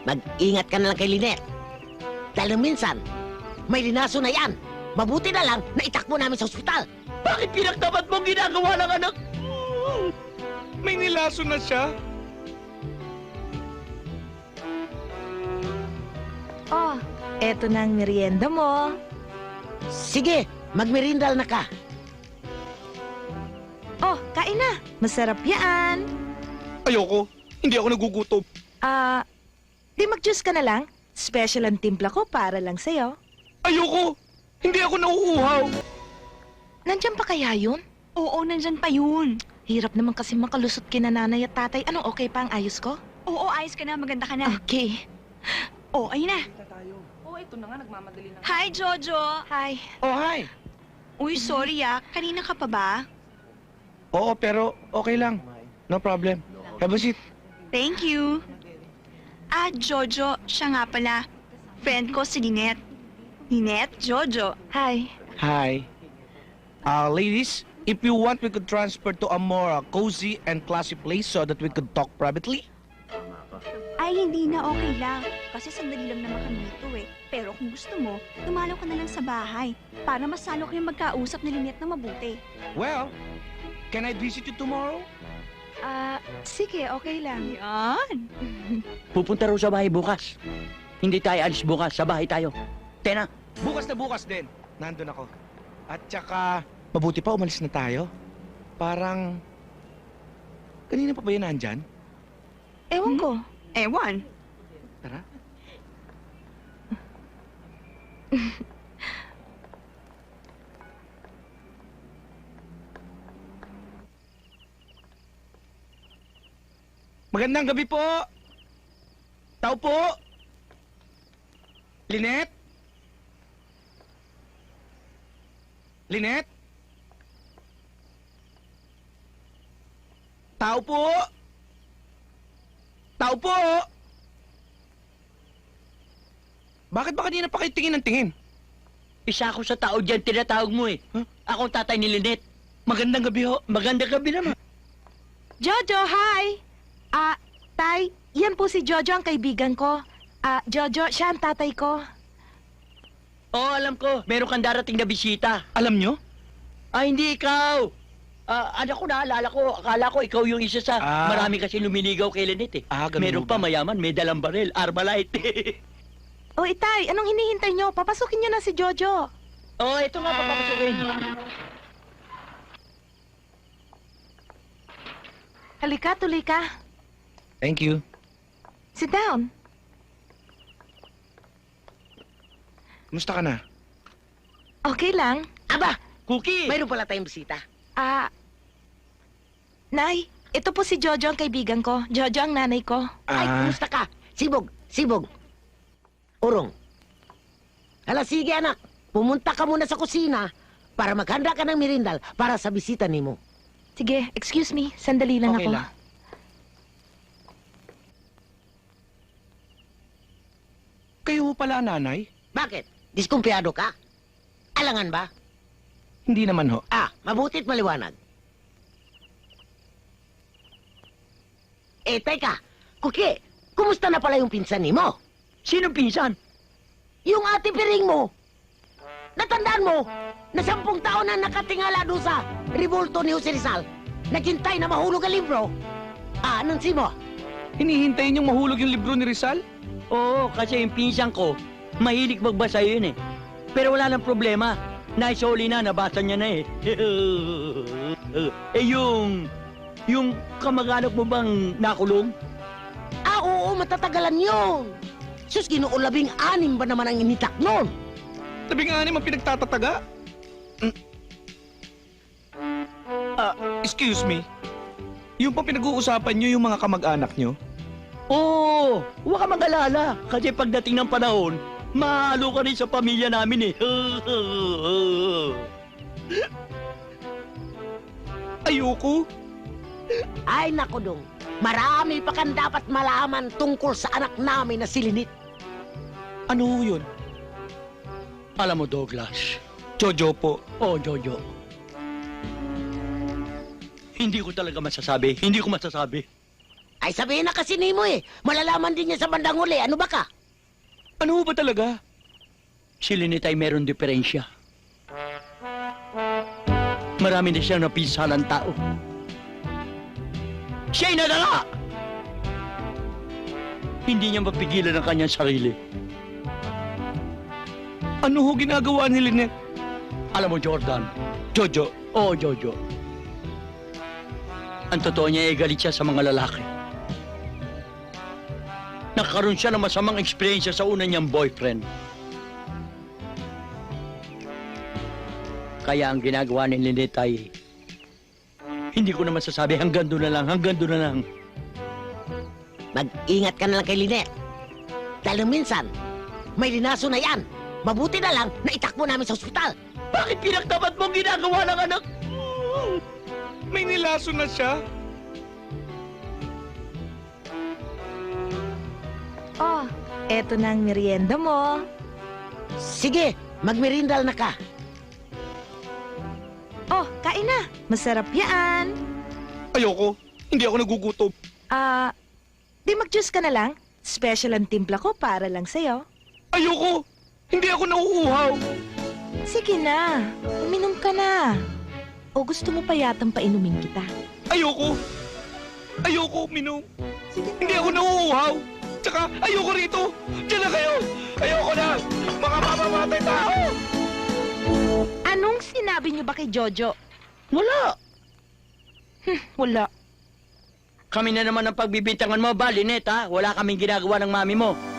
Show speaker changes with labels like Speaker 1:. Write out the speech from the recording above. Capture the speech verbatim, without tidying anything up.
Speaker 1: mag-ingat ka na lang kay Lynette. Dahil nung minsan, may linaso na yan. Mabuti na lang na itakbo namin sa ospital.
Speaker 2: Bakit pinagtapat mong ginagawa ng anak?
Speaker 3: May nilaso na siya.
Speaker 4: Oh, eto na ang merienda mo.
Speaker 1: Sige, magmerindal na ka.
Speaker 4: Oh, kain na. Masarap yan.
Speaker 3: Ayoko. Hindi ako nagugutom.
Speaker 4: Ah, di mag-juice ka na lang. Special ang timpla ko para lang sa'yo.
Speaker 3: Ayoko. Hindi ako nauuhaw.
Speaker 4: Nandyan pa kaya yun?
Speaker 5: Oo, nandyan pa yun.
Speaker 4: Hirap naman kasi makalusot kina nanay at tatay. Anong okay pa ang ayos ko?
Speaker 5: Oo, ayos ka na, maganda ka na.
Speaker 4: Okay.
Speaker 5: Oh, ayun na.
Speaker 6: Oo, ito na nga, nagmamadali na.
Speaker 5: Hi, Jojo.
Speaker 4: Hi.
Speaker 3: Oh, hi.
Speaker 5: Uy, sorry ah. Kanina ka pa ba?
Speaker 3: Oo, pero okay lang. No problem. Have a seat.
Speaker 5: Thank you. Ah, Jojo, siya nga pala. Friend ko si Lynette. Lynette, Jojo.
Speaker 4: Hi.
Speaker 3: Hi. Uh, ladies, if you want, we could transfer to a more uh, cozy and classy place so that we could talk privately.
Speaker 5: Ay, hindi na, okay lang. Kasi sandali lang naman kami dito eh. Pero kung gusto mo, dumalaw ka na lang sa bahay para masalo kayong magkausap ni Lynette na mabuti.
Speaker 3: Well, can I visit you tomorrow?
Speaker 4: Ah, sige, okay lang.
Speaker 5: Yan.
Speaker 2: Pupunta raw sa bahay bukas. Hindi tayo alis bukas, sa bahay tayo. Tena,
Speaker 3: Bukas na bukas din. Nandun ako. At saka, mabuti pa umalis na tayo. Parang, kanina pa ba yan nandyan?
Speaker 4: Ewan ko.
Speaker 5: Ewan.
Speaker 3: Tara. Magandang gabi po. Tao po. Lynette? Lynette? Tao po. Tao po. Bakit ba kanina pa kayo tingin ng tingin?
Speaker 2: isa ako sa tao dyan, tinatawag mo eh.
Speaker 3: Huh?
Speaker 2: Ako ang tatay ni Lynette. Magandang gabi ho. Magandang gabi naman.
Speaker 4: Jojo, hi! Ah, Tay, yan po si Jojo ang kaibigan ko. Ah, Jojo, siya ang tatay ko.
Speaker 2: Oo, alam ko. Meron kang darating na bisita.
Speaker 3: Alam nyo?
Speaker 2: Ah, hindi ikaw. Ah, anak ko, naalala ko. Akala ko ikaw yung isa sa...
Speaker 3: Ah.
Speaker 2: Marami kasi lumiligaw kay Lynette eh.
Speaker 3: Ah, ganun
Speaker 2: Meron
Speaker 3: mo
Speaker 2: pa
Speaker 3: ba?
Speaker 2: mayaman, may dalang baril. Armalite.
Speaker 4: O, Itay, anong hinihintay nyo? Papasukin nyo na si Jojo.
Speaker 2: Oo, ito nga papapasukin.
Speaker 4: Halika, tuloy ka.
Speaker 3: Thank you.
Speaker 4: Sit down.
Speaker 3: Kumusta ka na?
Speaker 4: Okay lang.
Speaker 1: Aba,
Speaker 2: Cookie!
Speaker 1: mayroon pala tayong bisita.
Speaker 4: Ah, Nay, ito po si Jojo ang kaibigan ko. Jojo ang nanay ko.
Speaker 1: Ay,
Speaker 3: Ah.
Speaker 1: kumusta ka? Sibog, sibog. Urong. Hala, sige anak. Pumunta ka muna sa kusina para maghanda ka ng merindal para sa bisita nimo.
Speaker 4: Sige, excuse me. Sandali lang
Speaker 3: Okay
Speaker 4: ako.
Speaker 3: lang. Kayo ho pala, nanay?
Speaker 1: Bakit? Diskumpiyado ka? Alangan ba?
Speaker 3: Hindi naman ho.
Speaker 1: Ah, mabutit maliwanag. Eh, teka. Kuki, kumusta na pala yung pinsan nimo?
Speaker 2: Sino pinsan?
Speaker 1: Yung ate piring mo. Natandaan mo na sampung taon na nakatingala doon sa ribulto ni Jose Rizal. Naghintay na mahulog ang libro. Ah, anong si mo?
Speaker 3: Hinihintay niyong mahulog yung libro ni Rizal?
Speaker 2: Oo, kasi yung pinsan ko, mahilig magbasa yun eh. Pero wala nang problema. Naisoli na, nabasa niya na eh. eh yung... Yung kamag-anak mo bang nakulong?
Speaker 1: Ah, oo, matatagalan yun. Sus, ginoo labing anim ba naman ang initak nun?
Speaker 3: Labing anim ang pinagtatataga? Mm. Ah, excuse me. Yung pang pinag-uusapan niyo yung mga kamag-anak niyo?
Speaker 2: Oo, huwag ka mag-alala. Kasi pagdating ng panahon, mahalo ka rin sa pamilya namin eh.
Speaker 3: Ayoko.
Speaker 1: Ay, naku dong. Marami pa kang dapat malaman tungkol sa anak namin na si Lynette.
Speaker 3: Ano ho yun?
Speaker 2: Alam mo, Douglas.
Speaker 3: Jojo po.
Speaker 2: Oh, Jojo. Hindi ko talaga masasabi. Hindi ko masasabi.
Speaker 1: Ay sabihin na kasi ni mo eh. Malalaman din niya sa bandang huli. Ano ba ka?
Speaker 3: Ano ba talaga?
Speaker 2: Si Lynette ay meron diferensya. Marami na siyang napisalang tao. Siya'y nadala! Hindi niya mapigilan ang kanyang sarili.
Speaker 3: Ano ho ginagawa ni Lynette?
Speaker 2: Alam mo, Jordan,
Speaker 3: Jojo,
Speaker 2: oo, Jojo. Ang totoo niya ay galit siya sa mga lalaki. Nagkaroon siya ng masamang eksperyensya sa una niyang boyfriend. Kaya ang ginagawa ni Lynette ay... Hindi ko naman sasabi hanggang doon na lang, hanggang doon na lang.
Speaker 1: Mag-ingat ka na lang kay Lynette. Dahil minsan, may linaso na yan. Mabuti na lang na itakbo namin sa ospital.
Speaker 2: Bakit pinagtapat mo ang ginagawa ng anak?
Speaker 3: may nilaso na siya.
Speaker 4: Oh, eto na ang merienda mo.
Speaker 1: Sige, magmerindal na ka.
Speaker 4: Oh, kain na. Masarap yan.
Speaker 3: Ayoko. Hindi ako nagugutom.
Speaker 4: Ah, di mag-juice ka na lang. Special ang timpla ko para lang sa'yo.
Speaker 3: Ayoko. Hindi ako nauuhaw.
Speaker 4: Sige na, uminom ka na. O gusto mo pa yatang painumin kita?
Speaker 3: Ayoko. Ayoko, Minong. Hindi ako nauuhaw. Tsaka ayoko rito. Diyan na kayo. Ayoko na. Mga mamamatay tao.
Speaker 4: Anong sinabi niyo ba kay Jojo?
Speaker 2: Wala.
Speaker 4: Wala.
Speaker 2: Kami na naman ang pagbibintangan mo ba, Lynette, ha? Wala kaming ginagawa ng mami mo.